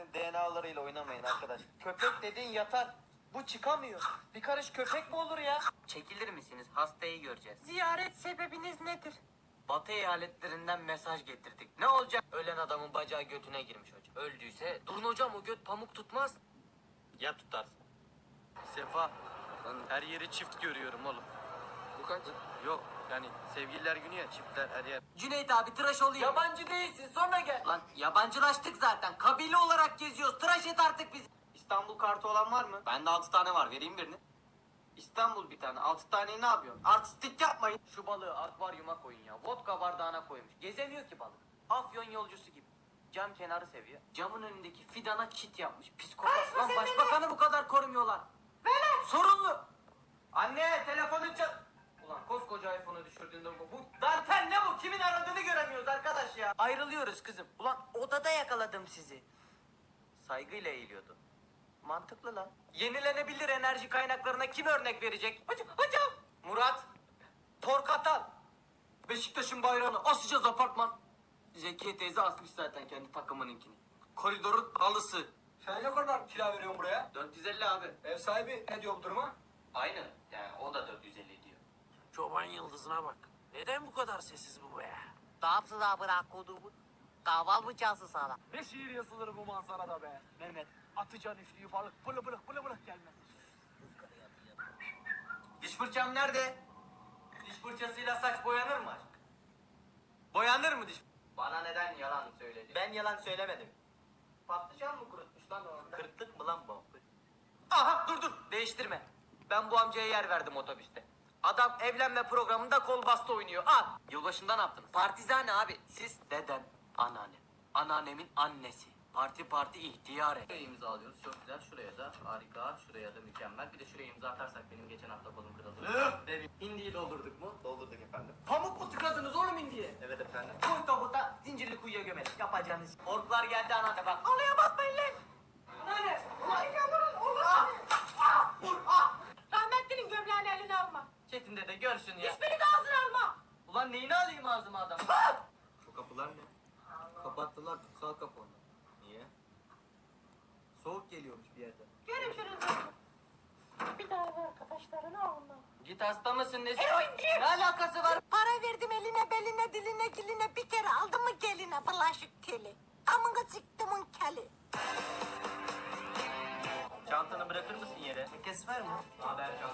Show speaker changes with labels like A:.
A: köpeklerin DNA'larıyla oynamayın arkadaş. Köpek dediğin yatar. Bu çıkamıyor. Bir karış köpek mi olur ya?
B: Çekilir misiniz? Hastayı göreceğiz.
C: Ziyaret sebebiniz nedir?
B: Batı eyaletlerinden mesaj getirdik. Ne olacak? Ölen adamın bacağı götüne girmiş hocam. Öldüyse durun hocam o göt pamuk tutmaz.
A: Ya tutarsın. Sefa, her yeri çift görüyorum oğlum.
B: Bu kaç?
A: Yok yani sevgililer günü ya, çiftler her yer.
B: Cüneyt abi tıraş olayım.
C: Yabancı değilsin, sonra gel.
B: Lan yabancılaştık zaten. Kabile olarak geziyoruz. Tıraş et artık bizi. İstanbul kartı olan var mı? Bende 6 tane var. Vereyim birini. İstanbul bir tane. 6 taneyi ne yapıyorsun? Artistik yapmayın. Şu balığı akvaryuma koyun ya. Vodka bardağına koymuş. Gezemiyor ki balık. Afyon yolcusu gibi. Cam kenarı seviyor. Camın önündeki fidana çit yapmış. Psikopat. Lan başbakanı bu kadar korumuyorlar. Sorunlu. Anne telefonu çal... Ulan koskoca iPhone'u düşürdüğünde bu dantel ne bu? Kimin aradığını göremiyoruz arkadaş ya. Ayrılıyoruz kızım. Ulan odada yakaladım sizi. Saygıyla eğiliyordu. Mantıklı lan. Yenilenebilir enerji kaynaklarına kim örnek verecek? Hocam. Murat. Torkatal. Beşiktaş'ın bayrağını asacağız apartman. Zekiye teyze asmış zaten kendi takımınınkini. Koridorun halısı.
D: Sen ne kadar kira veriyorsun buraya?
B: 450 abi.
D: Ev sahibi ne diyor bu duruma?
B: Aynı. Yani o da 450 diyor.
C: Çoban yıldızına bak. Neden bu kadar sessiz bu be?
E: Ne yapsın abi koduğumu? Kaval mı çalsın sana?
C: Ne şiir yazılır bu manzarada be? Mehmet, atacaksın üflüyü balık bılı bılık gelmez.
B: Diş fırçam nerede? Diş fırçasıyla saç boyanır mı aşk? Boyanır mı diş? Bana neden yalan söyledin? Ben yalan söylemedim. Patlıcan mı kurutmuş lan o? Kırıklık mı lan bu? Aha dur değiştirme. Ben bu amcaya yer verdim otobüste. Adam evlenme programında kol bastı oynuyor. Al. Yılbaşında ne yaptınız? Partizane abi. Siz deden, anneannem. Anneannemin annesi. Parti ihtiyare. Şuraya imza alıyoruz. Çok güzel. Şuraya da harika. Şuraya da mükemmel. Bir de şuraya imza atarsak benim geçen hafta kolum kırıldı. Hindiyi doldurduk mu?
A: Doldurduk efendim.
B: Pamuk mu tıkadınız oğlum hindiye?
A: Evet efendim.
B: Koy tabuta zincirli kuyuya gömelim. Yapacağınız. Orklar geldi anneanne bak. Alaya basmayın lan. Anneanne. Ulan yavrum. Allah. Vur.
C: Rahmetlinin gömleğini eline alma.
B: Çetin dede gör şunu ya.
C: Hiçbiri de ağzına alma.
B: Ulan neyini alayım ağzıma adam?
A: Bu kapılar ne? Kapattılar kutsal kapı onu. Niye? Soğuk geliyormuş bir yerden.
C: Görüşürüz. Bir daha da arkadaşlarını alma.
B: Git hasta mısın nesin?
C: Eroinci.
B: Ne alakası var?
E: Para verdim eline beline diline diline bir kere aldım mı geline bulaşık teli. Amına çıktımın keli.
B: Çantanı bırakır mısın yere? Kes var mı? Haber can.